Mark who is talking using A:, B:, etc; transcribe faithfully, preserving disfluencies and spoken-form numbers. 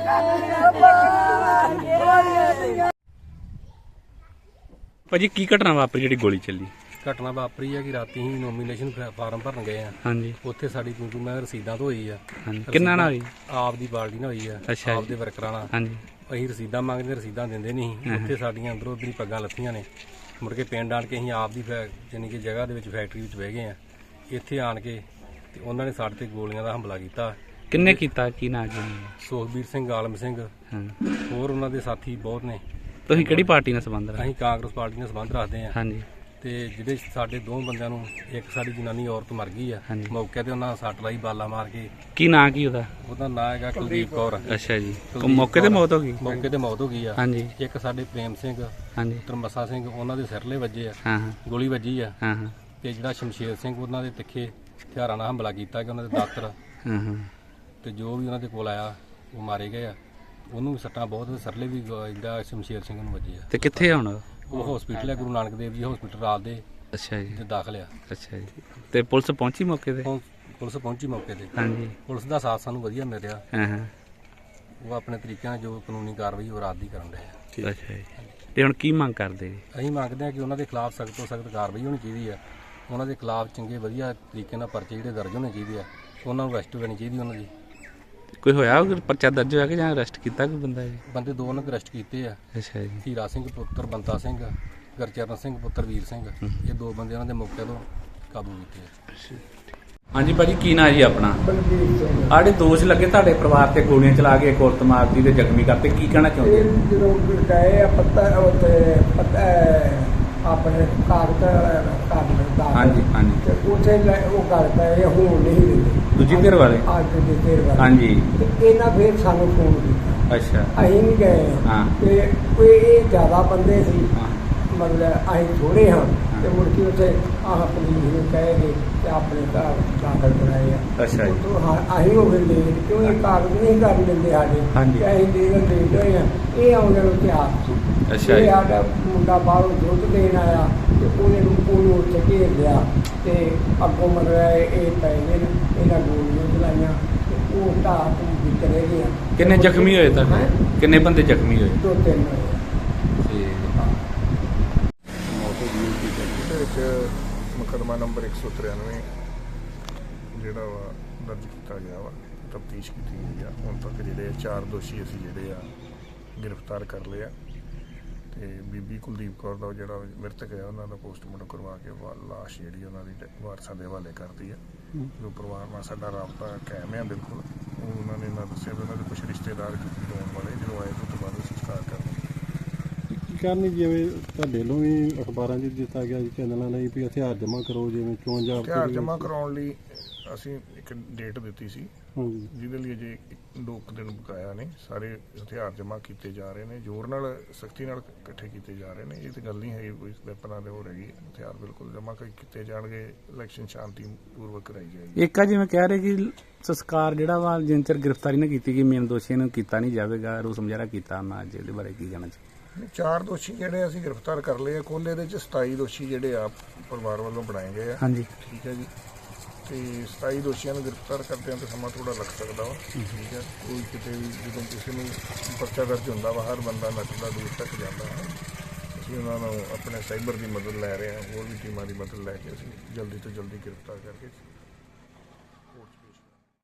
A: ਭਾਜੀ ਕੀ ਘਟਨਾ ਵਾਪਰੀ ਜਿਹੜੀ ਗੋਲੀ ਚੱਲੀ?
B: ਘਟਨਾ ਵਾਪਰੀ ਹੈ ਕਿ ਰਾਤੀ ਹੀ ਨੋਮੀਨੇਸ਼ਨ ਫਾਰਮ ਭਰਨ ਗਏ ਆ।
A: ਹਾਂਜੀ।
B: ਉੱਥੇ ਸਾਡੀ ਕਿਉਂਕਿ ਮੈਂ ਰਸੀਦਾਂ ਤੋਂ ਹੋਈ ਆ।
A: ਹਾਂਜੀ। ਕਿੰਨਾ ਨਾਲ ਹੋਈ?
B: ਆਪ ਦੀ ਬਾਲਟੀ ਨਾਲ ਹੋਈ ਆ।
A: ਅੱਛਾ
B: ਆਪ ਦੇ ਵਰਕਰਾਂ ਨਾਲ।
A: ਹਾਂਜੀ।
B: ਅਸੀਂ ਰਸੀਦਾਂ ਮੰਗਦੇ, ਰਸੀਦਾਂ ਦਿੰਦੇ ਨਹੀਂ। ਉੱਥੇ ਸਾਡੀਆਂ ਅੰਦਰੋਂ ਉੱਧਰ ਹੀ ਪੱਗਾਂ ਲੱਥੀਆਂ ਨੇ। ਮੁੜ ਕੇ ਪਿੰਡ ਆਣ ਕੇ ਅਸੀਂ ਆਪ ਦੀ ਯਾਨੀ ਕਿ ਜਗ੍ਹਾ ਦੇ ਵਿੱਚ ਫੈਕਟਰੀ ਵਿੱਚ ਬਹਿ ਗਏ ਆ। ਇੱਥੇ ਆਣ ਕੇ ਤੇ ਉਹਨਾਂ ਨੇ ਸਾਡੇ ਤੇ ਗੋਲੀਆਂ ਦਾ ਹਮਲਾ ਕੀਤਾ।
A: ਕਿੰਨੇ ਕੀਤਾ? ਕੀ ਨਾਂ ਜੀ?
B: ਸੁਖਬੀਰ ਸਿੰਘ, ਆਲਮ ਸਿੰਘ, ਹੋਰ ਉਹਨਾਂ ਦੇ ਸਾਥੀ ਬਹੁਤ ਨੇ।
A: ਤੁਸੀਂ ਕਿਹੜੀ ਪਾਰਟੀ ਨਾਲ ਸੰਬੰਧ ਰੱਖਦੇ?
B: ਅਸੀਂ ਕਾਂਗਰਸ ਪਾਰਟੀ ਨਾਲ ਸੰਬੰਧ ਰੱਖਦੇ ਆ।
A: ਹਾਂਜੀ। ਤੇ
B: ਜਿਹੜੇ ਸਾਡੇ ਦੋ ਬੰਦਿਆਂ ਨੂੰ, ਇੱਕ ਸਾਡੀ ਜਨਾਨੀ ਔਰਤ ਮਰ ਗਈ ਆ ਮੌਕੇ ਤੇ, ਉਹਨਾਂ ਸੱਟ ਲਾਈ ਬਾਲਾ ਮਾਰ ਕੇ।
A: ਕੀ ਨਾਂ ਕੀ ਉਹਦਾ?
B: ਉਹਦਾ ਨਾਂ ਹੈਗਾ ਕੁਲਦੀਪ ਕੌਰ।
A: ਅੱਛਾ ਜੀ। ਮੌਕੇ ਤੇ ਮੌਤ ਹੋ ਗਈ?
B: ਮੌਕੇ ਤੇ ਮੌਤ ਹੋ ਗਈ ਆ।
A: ਹਾਂਜੀ।
B: ਇੱਕ ਸਾਡੇ ਪ੍ਰੇਮ ਸਿੰਘ,
A: ਹਾਂਜੀ,
B: ਤਰਮਸਾ ਸਿੰਘ, ਉਹਨਾਂ ਦੇ ਸਿਰਲੇ ਵੱਜੇ ਆ।
A: ਹਾਂ ਹਾਂ,
B: ਗੋਲੀ ਵੱਜੀ ਆ।
A: ਹਾਂ ਹਾਂ।
B: ਤੇ ਜਿਹੜਾ ਸ਼ਮਸ਼ੇਰ ਸਿੰਘ, ਉਹਨਾਂ ਦੇ ਤਿੱਖੇ ਹਥਿਆਰਾਂ ਨਾਲ ਹਮਲਾ ਕੀਤਾ ਕਿ ਉਹਨਾਂ ਦੇ ਦਾਤਰ
A: ਹਾਂ ਹਾਂ, ਤੇ
B: ਜੋ ਵੀ ਉਹਨਾਂ ਦੇ ਕੋਲ ਆਇਆ ਉਹ ਮਾਰੇ ਗਏ ਆ। ਉਹਨੂੰ ਵੀ ਸੱਟਾਂ ਬਹੁਤ, ਸਰਲੇ ਵੀ ਜਿਹੜਾ ਸ਼ਮਸ਼ੇਰ ਸਿੰਘ ਨੂੰ ਵੱਜੇ ਆ।
A: ਤੇ ਕਿੱਥੇ ਹੁਣ
B: ਉਹ ਹਸਪੀਟਲ ਹੈ, ਗੁਰੂ ਨਾਨਕ ਦੇਵ ਜੀ ਹਸਪੀਟਲ ਰਾਤ ਦੇ।
A: ਅੱਛਾ ਜੀ।
B: ਤੇ ਦਾਖਲ ਆ।
A: ਅੱਛਾ ਜੀ। ਤੇ ਪੁਲਿਸ ਪਹੁੰਚੀ ਮੌਕੇ ਤੇ?
B: ਪੁਲਿਸ ਪਹੁੰਚੀ ਮੌਕੇ ਤੇ।
A: ਹਾਂਜੀ।
B: ਪੁਲਿਸ ਦਾ ਸਾਥ ਸਾਨੂੰ ਵਧੀਆ ਮਿਲ ਰਿਹਾ।
A: ਹਾਂ ਹਾਂ।
B: ਉਹ ਆਪਣੇ ਤਰੀਕੇ ਨਾਲ ਜੋ ਕਾਨੂੰਨੀ ਕਾਰਵਾਈ ਉਹ ਰਾਤ ਦੀ ਕਰਨ ਰਹੇ ਆ।
A: ਅੱਛਾ ਜੀ। ਤੇ ਹੁਣ ਕੀ ਮੰਗ ਕਰਦੇ ਜੀ?
B: ਅਸੀਂ ਮੰਗਦੇ ਹਾਂ ਕਿ ਉਹਨਾਂ ਦੇ ਖਿਲਾਫ ਸਖਤ ਤੋਂ ਸਖਤ ਕਾਰਵਾਈ ਹੋਣੀ ਚਾਹੀਦੀ ਆ। ਉਹਨਾਂ ਦੇ ਖਿਲਾਫ ਚੰਗੇ ਵਧੀਆ ਤਰੀਕੇ ਨਾਲ ਪਰਚੇ ਜਿਹੜੇ ਦਰਜ ਹੋਣੇ ਚਾਹੀਦੇ ਆ। ਉਹਨਾਂ ਨੂੰ ਅਰੈਸਟ ਕਰਨੀ ਚਾਹੀਦੀ ਉਹਨਾਂ ਦੀ। ਕੋਈ
A: ਹੋਇਆ ਪਰਚਾ ਦਰਜ ਹੋਇਆ ਕਿ ਜਾਂ ਅਰੈਸਟ ਕੀਤਾ ਕੋਈ ਬੰਦਾ ਜੀ?
B: ਬੰਦੇ ਦੋ ਉਹਨਾਂ ਦੇ ਅਰੈਸਟ ਕੀਤੇ ਆ।
A: ਅੱਛਾ ਜੀ।
B: ਹੀਰਾ ਸਿੰਘ ਪੁੱਤਰ ਬੰਤਾ ਸਿੰਘ, ਗੁਰਚਰਨ ਸਿੰਘ ਪੁੱਤਰ ਵੀਰ ਸਿੰਘ, ਇਹ ਦੋ ਬੰਦੇ ਉਹਨਾਂ ਦੇ ਮੌਕੇ ਤੋਂ ਕਾਬੂ ਕੀਤੇ ਆ।
A: ਹਾਂਜੀ ਭਾਜੀ, ਕੀ ਨਾਂ ਜੀ ਆਪਣਾ?
C: ਬਲਬੀਰ ਸਿੰਘ।
A: ਆੜੇ ਦੋਸ਼ ਲੱਗੇ ਤੁਹਾਡੇ ਪਰਿਵਾਰ ਤੇ ਗੋਲੀਆਂ ਚਲਾ ਕੇ ਇੱਕ ਔਰਤ ਮਾਰਦੀ ਤੇ ਜ਼ਖਮੀ ਕਰਤੇ, ਕੀ ਕਹਿਣਾ ਚਾਹੁੰਦੇ?
C: ਇਹ ਜਦੋਂ ਗਏ ਆ ਪੱਤਾ ਉੱਥੇ ਪੱਤਾ ਆਪਣੇ ਕਾਗਜ਼ ਕਾਗਜ਼ ਦਾ।
A: ਹਾਂਜੀ ਹਾਂਜੀ।
C: ਤੇ ਉੱਥੇ ਉਹ ਗੱਲ ਪਏ ਹੁਣ ਨਹੀਂ ਦਿੰਦੇ।
A: ਦੂਜੀ ਧਿਰ ਵਾਲੇ?
C: ਅੱਜ ਦੀ ਧਿਰ ਵਾਲੇ।
A: ਹਾਂਜੀ।
C: ਤੇ ਇਹਨਾਂ ਫਿਰ ਸਾਨੂੰ ਫੋਨ ਕੀਤਾ।
A: ਅੱਛਾ।
C: ਅਸੀਂ ਨਹੀਂ ਗਏ।
A: ਹਾਂ।
C: ਤੇ ਕੋਈ ਇਹ ਜ਼ਿਆਦਾ ਬੰਦੇ ਸੀ,
A: ਹਾਂ,
C: ਮਤਲਬ ਅਸੀਂ ਥੋੜੇ ਹਾਂ। ਤੇ ਮੁੜ ਕੇ ਉੱਥੇ ਆਹ ਪੁਲਿਸ ਨੂੰ ਕਹੇ ਗਏ ਤੇ ਆਪਣੇ ਘਰ ਦਾਖਲ ਕਰਾਏ ਆ।
A: ਅੱਛਾ ਜੀ।
C: ਉੱਥੋਂ ਹਾਂ ਅਸੀਂ ਹੋ ਗਏ ਲੇਟ, ਕਿਉਂ ਇਹ ਕਾਗਜ਼ ਨਹੀਂ ਕਰਨ ਦਿੰਦੇ ਸਾਡੇ।
A: ਹਾਂਜੀ।
C: ਤੇ ਅਸੀਂ ਲੀਗਲ ਲੇਟ ਹੋਏ ਆ। ਇਹ ਆਉਂਦੇ ਨੂੰ ਤਿਆਰ ਸੀ।
A: ਅੱਛਾ
C: ਇਹ
A: ਜੀ।
C: ਸਾਡਾ ਮੁੰਡਾ ਬਾਹਰੋਂ ਦੁੱਧ ਦੇਣ ਆਇਆ ਤੇ ਉਹਨੇ ਉਹਨੂੰ ਉੱਥੇ ਘੇਰ ਲਿਆ ਤੇ ਅੱਗੋਂ ਮਤਲਬ ਇਹ ਪੈ ਗਏ ਨੇ, ਇਹਨਾਂ ਗੋਲੀਆਂ ਚਲਾਈਆਂ ਤੇ ਉਹ ਢਾਹ ਤੋਂ ਚਲੇ ਗਿਆ।
A: ਕਿੰਨੇ ਜ਼ਖਮੀ ਹੋਏ ਤੁਹਾਡੇ? ਕਿੰਨੇ ਬੰਦੇ ਜ਼ਖਮੀ ਹੋਏ?
C: ਦੋ ਤਿੰਨ ਹੋਏ।
D: ਮੁਕੱਦਮਾ ਨੰਬਰ ਇੱਕ ਸੌ ਤਰਾਨਵੇਂ ਜਿਹੜਾ ਵਾ ਦਰਜ ਕੀਤਾ ਗਿਆ ਵਾ, ਤਫਤੀਸ਼ ਕੀਤੀ ਗਈ ਆ। ਹੁਣ ਤੱਕ ਜਿਹੜੇ ਚਾਰ ਦੋਸ਼ੀ ਅਸੀਂ ਜਿਹੜੇ ਆ ਗ੍ਰਿਫਤਾਰ ਕਰ ਲਏ ਆ। ਤੇ ਬੀਬੀ ਕੁਲਦੀਪ ਕੌਰ ਦਾ ਜਿਹੜਾ ਮ੍ਰਿਤਕ ਹੈ ਉਹਨਾਂ ਦਾ ਪੋਸਟਮਾਰਟਮ ਕਰਵਾ ਕੇ ਲਾਸ਼ ਜਿਹੜੀ ਉਹਨਾਂ ਦੀ ਵਾਰਸਾਂ ਦੇ ਹਵਾਲੇ ਕਰਤੀ ਆ। ਜੋ ਪਰਿਵਾਰ ਨਾਲ ਸਾਡਾ ਰਾਬਤਾ ਕਾਇਮ ਆ ਬਿਲਕੁਲ। ਉਹਨਾਂ ਨੇ ਨਾ ਦੱਸਿਆ ਵੀ ਉਹਨਾਂ ਦੇ ਕੁਛ ਰਿਸ਼ਤੇਦਾਰ ਹੋਣ ਵਾਲੇ ਜਦੋਂ ਆਏ ਤੋਂ ਬਾਅਦ ਸੰਸਕਾਰ ਕਰਨਾ
E: ਕਰਨੀ। ਜਿਵੇਂ ਤੁਹਾਡੇ ਵੱਲੋਂ ਵੀ ਅਖਬਾਰਾਂ 'ਚ ਦਿੱਤਾ ਗਿਆ ਜੀ ਚੈਨਲਾਂ ਲਈ ਵੀ ਹਥਿਆਰ ਜਮ੍ਹਾਂ ਕਰੋ, ਜਿਵੇਂ ਚੋਣ ਜਾਬਤੇ
D: ਹਥਿਆਰ ਜਮ੍ਹਾਂ ਕਰਾਉਣ ਲਈ ਅਸੀਂ ਇੱਕ ਡੇਟ ਦਿੱਤੀ ਸੀ,
E: ਹਾਂਜੀ,
D: ਜਿਹਦੇ ਲਈ ਅਜੇ ਦੋ ਕੁ ਦਿਨ ਬਕਾਇਆ ਨੇ। ਸਾਰੇ ਹਥਿਆਰ ਜਮ੍ਹਾਂ ਕੀਤੇ ਜਾ ਰਹੇ ਨੇ, ਜ਼ੋਰ ਨਾਲ ਸਖਤੀ ਨਾਲ ਇਕੱਠੇ ਕੀਤੇ ਜਾ ਰਹੇ ਨੇ। ਇਹ ਤਾਂ ਗੱਲ ਨਹੀਂ ਹੈ ਕੋਈ ਵੈਪਨਾਂ ਦੇ ਹੋ ਰਹੀ ਹਥਿਆਰ ਬਿਲਕੁਲ ਜਮ੍ਹਾਂ ਕੀਤੇ ਜਾਣਗੇ। ਇਲੈਕਸ਼ਨ ਸ਼ਾਂਤੀ ਪੂਰਵਕ ਕਰਾਈ ਜਾਏਗੀ।
A: ਇੱਕ ਆ ਜਿਵੇਂ ਕਹਿ ਰਹੇ ਕਿ ਸੰਸਕਾਰ ਜਿਹੜਾ ਵਾ ਜਿੰਨ ਚਿਰ ਗ੍ਰਿਫਤਾਰੀ ਨਾ ਕੀਤੀ ਗਈ ਮੇਨ ਦੋਸ਼ੀਆਂ ਨੂੰ ਕੀਤਾ ਨਹੀਂ ਜਾਵੇਗਾ, ਰੋਸ ਮੁਜ਼ਾਹਰਾ ਕੀਤਾ ਉਹਨਾਂ ਅੱਜ, ਇਹਦੇ ਬਾਰੇ ਕੀ ਕਹਿਣਾ ਚਾਹੀਦਾ?
D: ਚਾਰ ਦੋਸ਼ੀ ਜਿਹੜੇ ਅਸੀਂ ਗ੍ਰਿਫਤਾਰ ਕਰ ਲਏ ਆ। ਕੁੱਲ ਇਹਦੇ ਚ ਸਤਾਈ ਦੋਸ਼ੀ ਜਿਹੜੇ ਆ ਪਰਿਵਾਰ ਵੱਲੋਂ ਬਣਾਏ ਗਏ ਆ।
A: ਹਾਂਜੀ,
D: ਠੀਕ ਹੈ ਜੀ। ਤੇ ਸਤਾਈ ਦੋਸ਼ੀਆਂ ਨੂੰ ਗ੍ਰਿਫਤਾਰ ਕਰਦਿਆਂ ਤਾਂ ਸਮਾਂ ਥੋੜਾ ਲੱਗ ਸਕਦਾ ਵਾ। ਠੀਕ ਹੈ। ਕੋਈ ਕਿਤੇ ਵੀ ਜਦੋਂ ਕਿਸੇ ਨੂੰ ਪਰਚਾ ਦਰਜ ਹੁੰਦਾ ਵਾ, ਹਰ ਬੰਦਾ ਨੱਚਦਾ ਦੂਰ ਤੱਕ ਜਾਂਦਾ ਹੈ। ਅਸੀਂ ਉਹਨਾਂ ਨੂੰ ਆਪਣੇ ਸਾਈਬਰ ਦੀ ਮਦਦ ਲੈ ਰਹੇ ਹਾਂ, ਹੋਰ ਵੀ ਟੀਮਾਂ ਦੀ ਮਦਦ ਲੈ ਕੇ ਅਸੀਂ ਜਲਦੀ ਤੋਂ ਜਲਦੀ ਗ੍ਰਿਫਤਾਰ ਕਰਕੇ